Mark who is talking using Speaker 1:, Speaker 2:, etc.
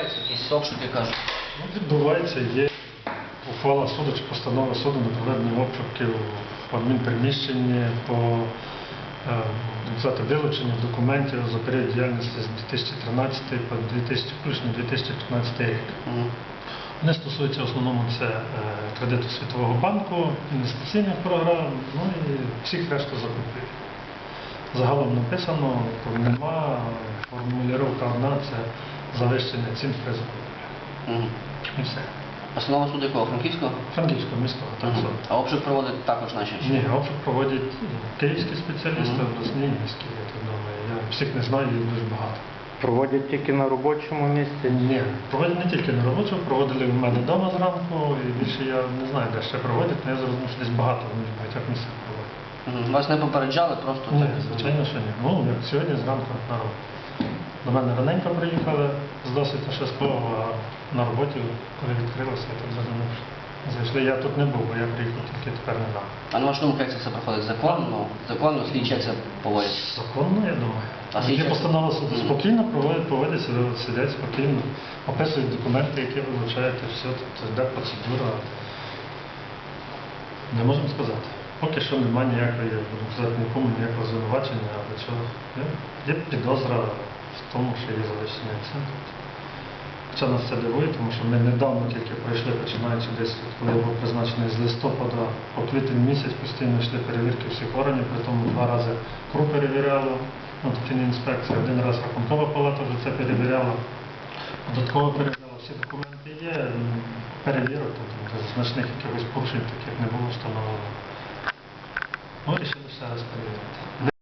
Speaker 1: відбувається якийсь обшук, я кажу.
Speaker 2: Ну, відбувається, є ухвала суду чи постанова суду на проведення обшуків по адмінприміщенні, по вилученню документів за період діяльності з 2013 по 2015 рік. Вони стосуються в основному це кредиту Світового банку, інвестиційних програм, ну і всіх решту закупів. Загалом написано, нема, формулювання одна – це завищення цін при закупівлі. І все.
Speaker 1: Основного суду якого? Франківського?
Speaker 2: Франківського міського, так само.
Speaker 1: А обшук проводить також наші?
Speaker 2: Ні, обшук проводять київські спеціалісти, обласні і міські, я так думаю. Я всіх не знаю, їх дуже багато.
Speaker 3: Проводять тільки на робочому місці?
Speaker 2: Ні, проводять не тільки на робочому, проводили в мене вдома зранку, і більше я не знаю, де ще проводять, але я зрозумів, що десь багато, вони в багатьох місцях проводять.
Speaker 1: Вас не попереджали просто?
Speaker 2: Ні,
Speaker 1: так?
Speaker 2: звичайно, що ні. Ну, як сьогодні зранку на роботу. До мене раненько приїхали з досить швидкого, а на роботі, коли відкрилося, я так зрозумів, зайшли. Я тут не був, бо я приїхав тільки тепер недавно.
Speaker 1: А на вашу думку, як це все проходить? Законно? Законно, слідчі як це поводять?
Speaker 2: Законно, я думаю.
Speaker 1: А
Speaker 2: Є
Speaker 1: слідчі-
Speaker 2: постанова суду. Спокійно поводяться, сидять спокійно, описують документи, які вилучають, і все, тобто йде процедура. Не можемо сказати. Поки що немає ніякої, будемо сказати, нікому ніякого звинувачення, але чого. Є підозра в тому, що є завищення цін. Хоча нас це дивує, тому що ми недавно тільки пройшли, починаючи десь, коли я був призначений з листопада по квітень місяць, постійно йшли перевірки всіх органів, при тому 2 рази КРУ перевіряло, інспекція, 1 раз Рахункова палата вже це перевіряла, додатково перевіряла, всі документи є, перевірок, тобто значних якихось порушень таких не було встановлено. Ну, рішили ще раз перевірити.